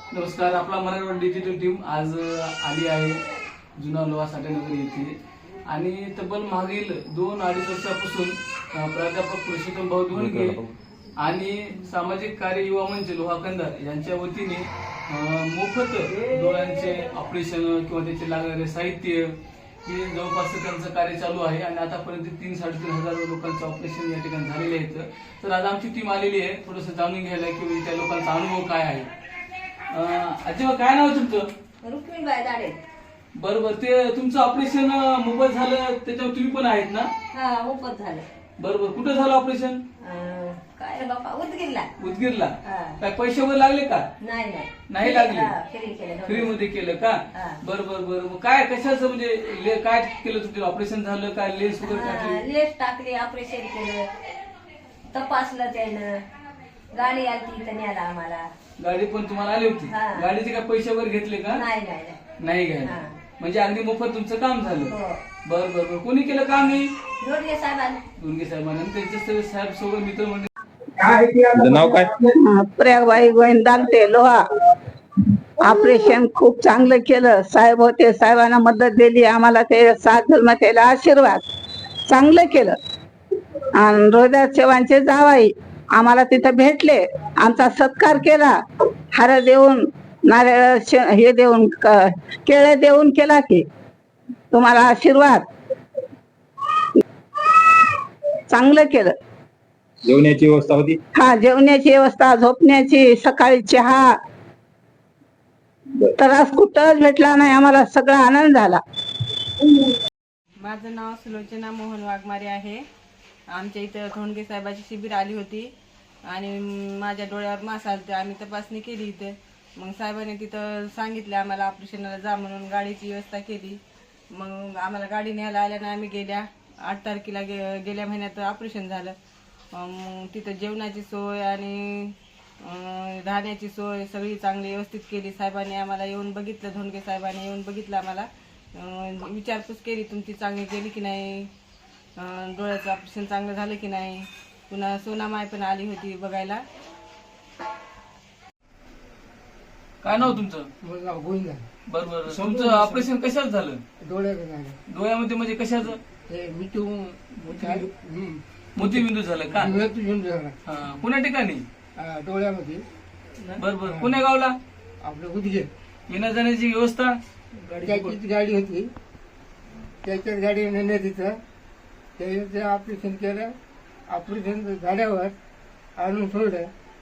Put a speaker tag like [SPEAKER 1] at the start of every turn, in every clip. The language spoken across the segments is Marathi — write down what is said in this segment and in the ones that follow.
[SPEAKER 1] नमस्कार. आपला मराठवाडा डिजिटल टीम आज आली आहे जुना लोहा साठेनगर येथे आणि तब्बल मागील 2-2.5 वर्षापासून प्राध्यापक पुरुषोत्तम भाऊ धोंडगे आणि सामाजिक कार्य युवा मंच लोहा कंधार यांच्या वतीने मोफत डोळ्यांचे ऑपरेशन किंवा त्याचे लागणारे साहित्य हे जवळपास त्यांचं कार्य चालू आहे आणि आतापर्यंत 3-3.5 हजार लोकांचं ऑपरेशन या ठिकाणी झालेले आहेत. तर आज आमची टीम आलेली आहे थोडंसं जाणून घ्यायला की त्या लोकांचा अनुभव काय आहे. आजीबा काय नाव तुमचं?
[SPEAKER 2] रुक्मिणबाई दाडे.
[SPEAKER 1] बरोबर. ते तुमचं ऑपरेशन मोफत झालं त्याच्यावर तुम्ही पण आहेत ना?
[SPEAKER 2] हा मोफत झालं.
[SPEAKER 1] बरोबर. कुठं झालं ऑपरेशन?
[SPEAKER 2] काय बापा उदगीरला.
[SPEAKER 1] उदगीरला. काय पैसे वगैरे लागले का? नाही लागले. फ्री मध्ये केलं का? बरोबर बरोबर. काय कशाचं म्हणजे काय केलं तुमचं ऑपरेशन झालं काय? लेन्स वगैरे टाकली?
[SPEAKER 2] लेस टाकली, ऑपरेशन केलं, तपासलं त्यानं, गाडी आली इथं न्यायला आम्हाला.
[SPEAKER 1] गाडी पण तुम्हाला आली होती? गाडीचे काय पैसे वगैरे घेतले का? नाही घ्यायला. म्हणजे अगदी मोफत तुमचं काम झालं. बरं बरं बरं. कोणी केलं काम हे?
[SPEAKER 2] धोंडगे
[SPEAKER 1] साहेबांनी त्यांचे साहेब सोबत मित्र म्हणजे
[SPEAKER 3] नाव काय?
[SPEAKER 4] प्रयागबाई गोविंदांते लोहा. ऑपरेशन खूप चांगलं केलं. साहेब होते, साहेबांना मदत दिली आम्हाला. ते साथ धर्म त्याला आशीर्वाद चांगलं केलं. आणि रोहिदास चव्हाणचे जावाई आम्हाला तिथं भेटले, आमचा सत्कार केला. हार देऊन, नारळ हे देऊन, केळे देऊन केला की तुम्हाला आशीर्वाद. चांगलं केलं.
[SPEAKER 3] जेवण्याची व्यवस्था होती?
[SPEAKER 4] हा, जेवण्याची व्यवस्था, झोपण्याची, सकाळी चहा. त्रास कुठंच भेटला नाही आम्हाला. सगळा आनंद झाला.
[SPEAKER 5] माझं नाव सुलोचना मोहन वाघमारे आहे. आमच्या इथं धोंडगे साहेबाची शिबिर आली होती आणि माझ्या डोळ्यावर मास आलते. आम्ही तपासणी केली इथे. मग साहेबांनी तिथं सांगितलं आम्हाला ऑपरेशनला जा म्हणून. गाडीची व्यवस्था केली. मग आम्हाला गाडी न्यायला आल्यानं आम्ही गेल्या 8 तारखेला गेल्या महिन्यात ऑपरेशन झालं. तिथं जेवणाची सोय आणि राहण्याची सोय सगळी चांगली व्यवस्थित केली. साहेबांनी आम्हाला येऊन बघितलं, धोंडगे साहेबांनी येऊन बघितलं आम्हाला. विचारपूस केली तुमची चांगली गेली की नाही, डोळ्याचं ऑपरेशन चांगलं झालं की नाही. पुन्हा सोनामाय पण आली होती बघायला.
[SPEAKER 1] काय नाव तुमचं? बरोबर. तुमचं ऑपरेशन कशाच झालं? डोळ्यामध्ये म्हणजे कशाचं? मोतीबिंदू झालं का? पुण्या ठिकाणी
[SPEAKER 6] डोळ्यामध्ये.
[SPEAKER 1] बरोबर. पुण्या गावला
[SPEAKER 6] आपलं उदगीर.
[SPEAKER 1] येण्या जाण्याची व्यवस्था?
[SPEAKER 6] त्याचीच गाडी होती, त्याच्याच गाडी नेण्यात तिथं त्याचं ऑपरेशन केलं. ऑपरेशन झाल्यावर आणून सोडलं.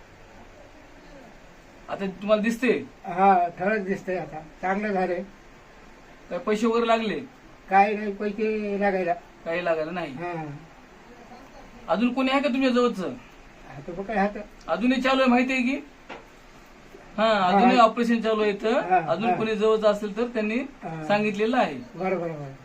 [SPEAKER 1] आता तुम्हाला दिसते?
[SPEAKER 6] हा, ठळक दिसतंय. आता चांगलं झालंय.
[SPEAKER 1] काय पैसे वगैरे लागले?
[SPEAKER 6] काय नाही, पैसे लागायला.
[SPEAKER 1] काही लागायला नाही.
[SPEAKER 6] हा,
[SPEAKER 1] अजून कोणी आहे का तुमच्या जवळचं?
[SPEAKER 6] आता बघ काय हात.
[SPEAKER 1] अजूनही चालू आहे माहिती आहे की? हा, अजूनही ऑपरेशन चालू आहे. तर अजून कोणी जवळचं असेल तर त्यांनी सांगितलेलं आहे.
[SPEAKER 6] बरोबर.